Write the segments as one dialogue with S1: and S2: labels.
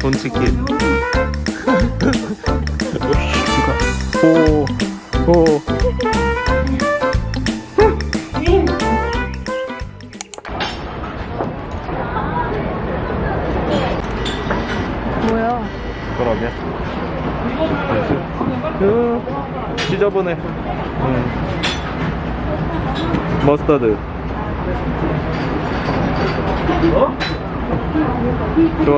S1: 돈치킨. 오, 오.
S2: 뭐야?
S1: 그러게. 지저분해. 머스터드. 좋아.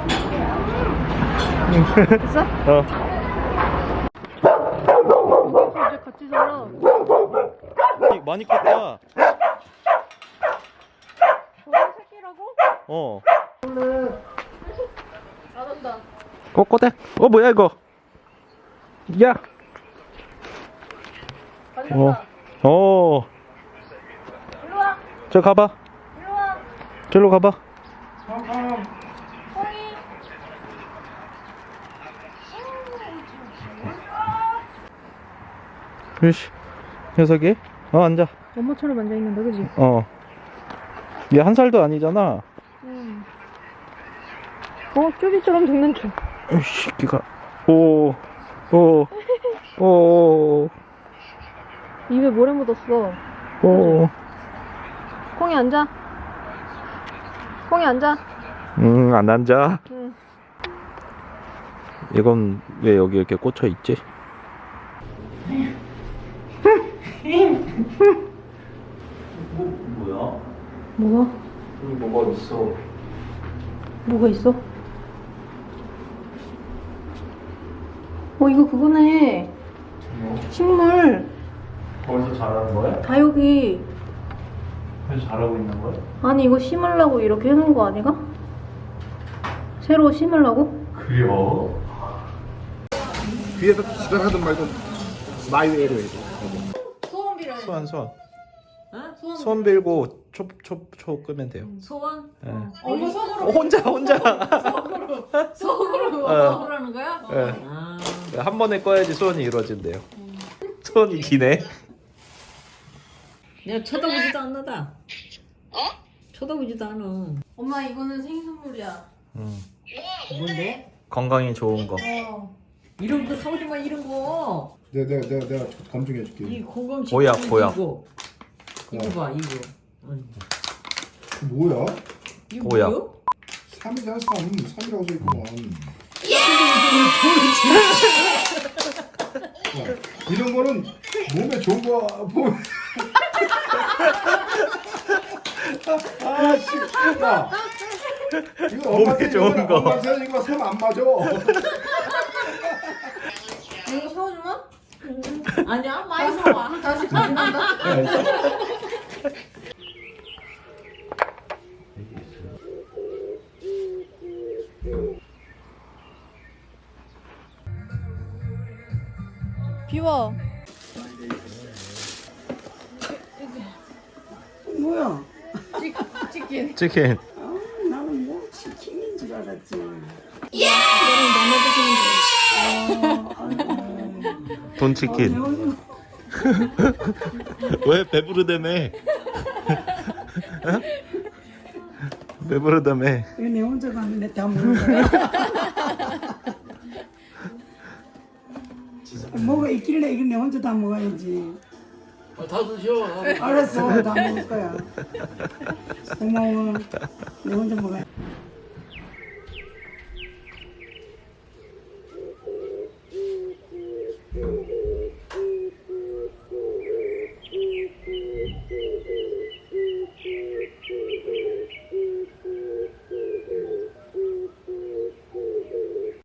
S2: 됐어?
S1: 어.
S2: 이제 같이 살아.
S1: 많이 컸다.
S2: 저런 새끼라고?
S1: 어.
S2: 잘한다.
S1: 꼬꼬대. 뭐야 이거? 야.
S2: 가져간다.
S1: 어.
S2: 일로 와.
S1: 저 가봐.
S2: 일로 와.
S1: 저로 가봐.
S2: 콩이.
S1: 으씨. 녀석이. 앉아.
S2: 엄마처럼 앉아 있는데, 그지?
S1: 얘 1살도 아니잖아.
S2: 응. 쭈비처럼 생긴 척.
S1: 으씨, 기가. 오.
S2: 입에 모래 묻었어.
S1: 오.
S2: 콩이 앉아. 콩이 앉아.
S1: 안 앉아.
S2: 응.
S1: 이건 왜 여기 이렇게 꽂혀 있지? 뭐야?
S2: 뭐가?
S1: 여기 뭐가 있어?
S2: 뭐가 있어? 이거 그거네.
S1: 뭐?
S2: 식물.
S1: 거기서 자라는 거야?
S2: 다 여기.
S1: 그래서 자라고 있는 거야?
S2: 아니, 이거 심으려고 이렇게 해놓은 거 아니가? 새로 심으려고?
S1: 그래요?
S3: 뒤에서 지랄하든 말든 마이웨이로 해줘.
S2: 소원 빌어야 돼.
S1: 소원.
S2: 어? 소원.
S1: 소원 빌고 초 끄면 돼요.
S2: 소원?
S1: 네.
S2: 이거 속으로.
S1: 혼자.
S2: 속으로
S1: 어.
S2: 하는 거야?
S1: 네.
S2: 아.
S1: 한 번에 꺼야지 소원이 이루어진대요. 소원이 기네.
S4: 내가 쳐다보지도 않는다. 쳐다보지도 않아.
S2: 엄마, 이거는 생일 선물이야.
S4: 뭔데?
S1: 건강에 좋은 거.
S4: 이런 거 사오지 마, 이런 거.
S3: 내가 검증해줄게.
S4: 이 건강
S1: 보약.
S4: 이거. 이거 봐, 이거.
S3: 뭐야?
S4: 이거
S1: 보약.
S4: 뭐야?
S3: 3이잖아 3이라고 써있구만. 이런 거는 몸에 좋은 거 보면 씨, 야, 이거
S1: 몸에 좋은 거.
S3: 엄마한테 이거 3 안 맞아.
S2: 이거 사오지마?
S4: 아니야, 많이 사와.
S2: 다시 가져간다. 비워.
S5: 뭐야?
S2: 치킨.
S1: 치킨.
S5: 나는 뭐 치킨인 줄 알았지.
S1: 돈치킨. 왜 배부르다며? 배부르다며.
S5: 이거 내 혼자 갔는데 다 먹는 거야. 뭐가 있길래 이거 내 혼자 다 먹어야지.
S4: 다 드셔.
S5: 알았어, 다 먹을 거야. 고마워. 내 혼자 먹어야.